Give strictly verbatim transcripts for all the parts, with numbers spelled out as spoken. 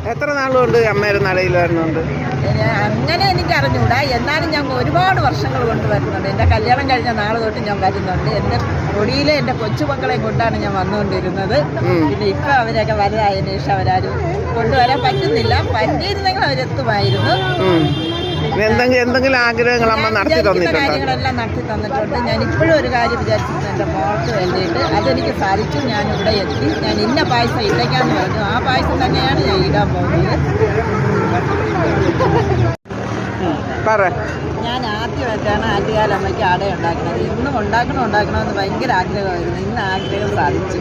എത്ര നാളുകൊണ്ട് അമ്മയുടെ നടയിൽ വരുന്നുണ്ട്? അങ്ങനെ എനിക്ക് അറിഞ്ഞൂടാ, എന്നാലും ഞാൻ ഒരുപാട് വർഷങ്ങൾ കൊണ്ട് വരുന്നുണ്ട്. എൻ്റെ കല്യാണം കഴിഞ്ഞ നാൾ തൊട്ട് ഞാൻ വരുന്നുണ്ട്. എൻ്റെ കൊടിയിലെ എൻ്റെ കൊച്ചുമക്കളെ കൊണ്ടാണ് ഞാൻ വന്നുകൊണ്ടിരുന്നത്. പിന്നെ ഇപ്പം അവരൊക്കെ വലുതായതിനു ശേഷം അവരാരും കൊണ്ടുവരാൻ പറ്റുന്നില്ല. പറ്റിയിരുന്നെങ്കിൽ അവരെത്തുമായിരുന്നു. എന്തെങ്കിലും എന്തെങ്കിലും ആഗ്രഹങ്ങൾ അമ്മ നടത്തി തന്നിട്ടുണ്ട്? കാര്യങ്ങളെല്ലാം നടത്തി തന്നിട്ടുണ്ട്. ഞാൻ ഇപ്പോഴും ഒരു കാര്യം വിചാരിച്ചിട്ടുണ്ട്, എൻ്റെ മോൾക്ക് വേണ്ടിയിട്ട്. അതെനിക്ക് സാധിച്ചു. ഞാൻ ഇവിടെ എത്തി. ഞാൻ ഇന്ന പായസം ഇടയ്ക്കാന്ന് പറഞ്ഞു. ആ പായസം തന്നെയാണ് ഞാൻ ഇടാൻ പോകുന്നത്. ഞാൻ ആദ്യമായിട്ടാണ് ആറ്റുകാലമ്മയ്ക്ക് അട ഉണ്ടാക്കുന്നത്. ഇന്നും ഉണ്ടാക്കണം ഉണ്ടാക്കണമെന്ന് ഭയങ്കര ആഗ്രഹമായിരുന്നു. ഇന്ന് ആഗ്രഹം സാധിച്ചു.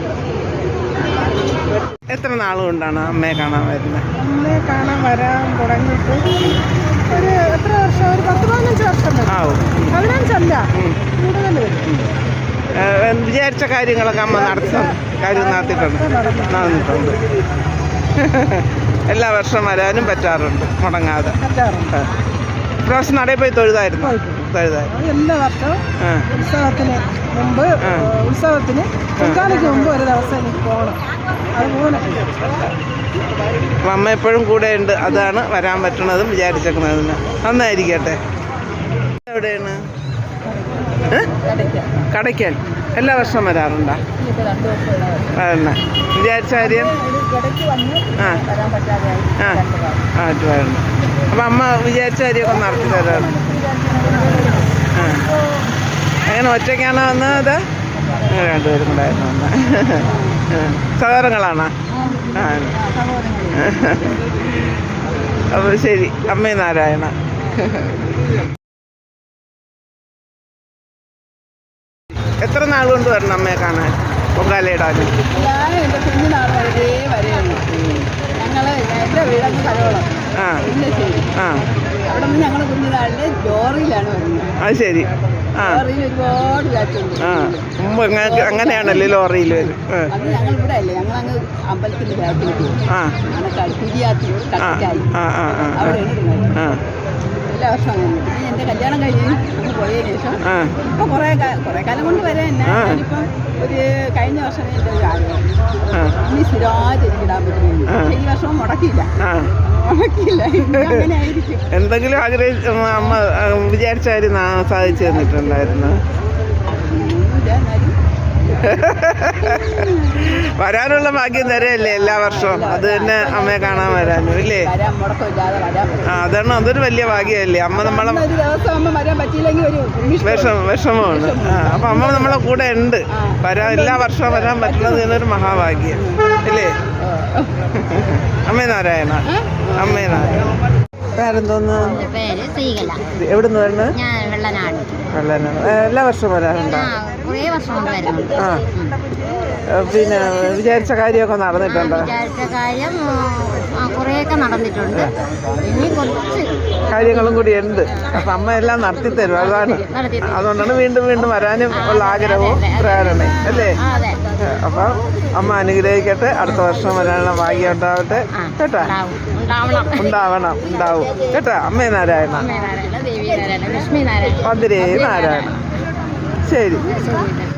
എത്ര നാളുകൊണ്ടാണ് അമ്മയെ കാണാൻ വരുന്നത്? അമ്മയെ കാണാൻ വരാൻ തുടങ്ങിയിട്ട് ഒരു എത്ര വർഷം? ഒരു പത്ത് പതിനഞ്ച് വർഷം ആവും. പതിനഞ്ചല്ല, കൂടുതൽ. വിചാരിച്ച കാര്യങ്ങളൊക്കെ അമ്മ നടത്തി കാര്യം നടത്തിയിട്ടുണ്ട് നടന്നിട്ടുണ്ട് എല്ലാ വർഷവും വരാനും പറ്റാറുണ്ട് മുടങ്ങാതെ. പ്രാവശ്യം നടയിൽ പോയി തൊഴുതായിരുന്നു? തൊഴുതായിരുന്നു എല്ലാ വർഷവും. ഉത്സവത്തിന് മുമ്പ് ഉത്സവത്തിന് പൊങ്കാലയ്ക്ക് മുമ്പ് ഒരു ദിവസം എനിക്ക് പോകണം. അതുപോലെ അപ്പം അമ്മ എപ്പോഴും കൂടെ ഉണ്ട്. അതാണ് വരാൻ പറ്റണതും വിചാരിച്ചേക്കുന്നതിന്. നന്നായിരിക്കട്ടെ. എവിടെയാണ്? കടയ്ക്കൽ. എല്ലാ വർഷവും വരാറുണ്ടോ? വരണ വിചാരിച്ച കാര്യം? ആ ആ ആ വരണം. അപ്പം അമ്മ വിചാരിച്ച കാര്യമൊക്കെ നടത്തി തരാറ്. ആ അങ്ങനെ ഒറ്റയ്ക്കാണോ വന്നത്? രണ്ടുപേരും കൂടായിരുന്നു വന്നത്. സഹോദരങ്ങളാണോ? ആ അപ്പോൾ ശരി. അമ്മേ നാരായണ. എത്ര നാൾ കൊണ്ട് വരണം അമ്മയെ കാണാൻ പൊങ്കാലയിടാനും? ഞാൻ എൻ്റെ കുഞ്ഞിനാൾ വരെ വരെയുള്ളൂ. ഞങ്ങൾ എൻ്റെ വീടങ്ങ് കഴവളം. ആ ആ അവിടെ നിന്ന് ഞങ്ങൾ കുഞ്ഞിനാളിൽ ലോറിയിലാണ് വരുന്നത്. അത് ശരി. ആ ലോറിയിൽ ഒരുപാട് കാറ്റുണ്ട്. ആ മുമ്പ് അങ്ങനെയാണല്ലേ ലോറിയിൽ വരും? അത് ഞങ്ങൾ ഇവിടെ അല്ലേ, ഞങ്ങൾ അങ്ങ് അമ്പലത്തിൻ്റെ ബാക്കിലേക്ക് ആ കുരിയാത്തി കട്ടിക്കായി ആ ആ അവിടെയാണ് ഇരുന്നത്. ആ എല്ലാ വർഷവും അങ്ങനെ. പിന്നെ എൻ്റെ കല്യാണം കഴിഞ്ഞ് അങ്ങ് പോയതിനു ശേഷം ഇപ്പം കുറേ കുറേ കാലം കൊണ്ട് വരെ തന്നെ. ഞാനിപ്പം ഒരു കഴിഞ്ഞ വർഷം എൻ്റെ ഒരു ആഗ്രഹം ഇനി സ്ഥിരമായിട്ട് എനിക്ക് ഇടാൻ പറ്റുന്നു. ഈ വർഷവും മുടക്കിയില്ല മുടക്കിയില്ല അങ്ങനെ ആയിരിക്കും. എന്തെങ്കിലും ആഗ്രഹിച്ച അമ്മ വിചാരിച്ച കാര്യം സാധിച്ചു തന്നിട്ടുണ്ടായിരുന്നു? വരാനുള്ള ഭാഗ്യം തരല്ലേ എല്ലാ വർഷവും. അത് തന്നെ അമ്മയെ കാണാൻ വരാനും ഇല്ലേ? ആ അതാണ്. അതൊരു വലിയ ഭാഗ്യമല്ലേ. അമ്മ നമ്മളെ വിഷമം വിഷമമാണ്. ആ അപ്പം അമ്മ നമ്മളെ കൂടെ ഉണ്ട്. വരാൻ എല്ലാ വർഷവും വരാൻ പറ്റുന്നത് എന്നൊരു മഹാഭാഗ്യം ഇല്ലേ? അമ്മേ നാരായണ. അമ്മേ നാരായണ. പേരെന്തോന്ന്? എവിടുന്ന് വരുന്നത്? വെള്ളനാട്. എല്ലാ വർഷവും വരാറുണ്ടോ? ആ പിന്നെ വിചാരിച്ച കാര്യമൊക്കെ നടന്നിട്ടുണ്ടോ? വിചാരിച്ച കാര്യം കുറേയൊക്കെ നടന്നിട്ടുണ്ട്. ഇനി കുറച്ച് കാര്യങ്ങളും കൂടി ഉണ്ട്. അപ്പം അമ്മ എല്ലാം നടത്തി തരും. അതാണ്. അതുകൊണ്ടാണ് വീണ്ടും വീണ്ടും വരാനും ഉള്ള ആഗ്രഹവും പ്രേരണയും അല്ലേ? അപ്പം അമ്മ അനുഗ്രഹിക്കട്ടെ. അടുത്ത വർഷം വരാനുള്ള ഭാഗ്യം ഉണ്ടാവട്ടെ കേട്ടാ. ഉണ്ടാവണം ഉണ്ടാവും കേട്ടാ. അമ്മേ നാരായണ. പതിരേ നാരായണ. ശരി.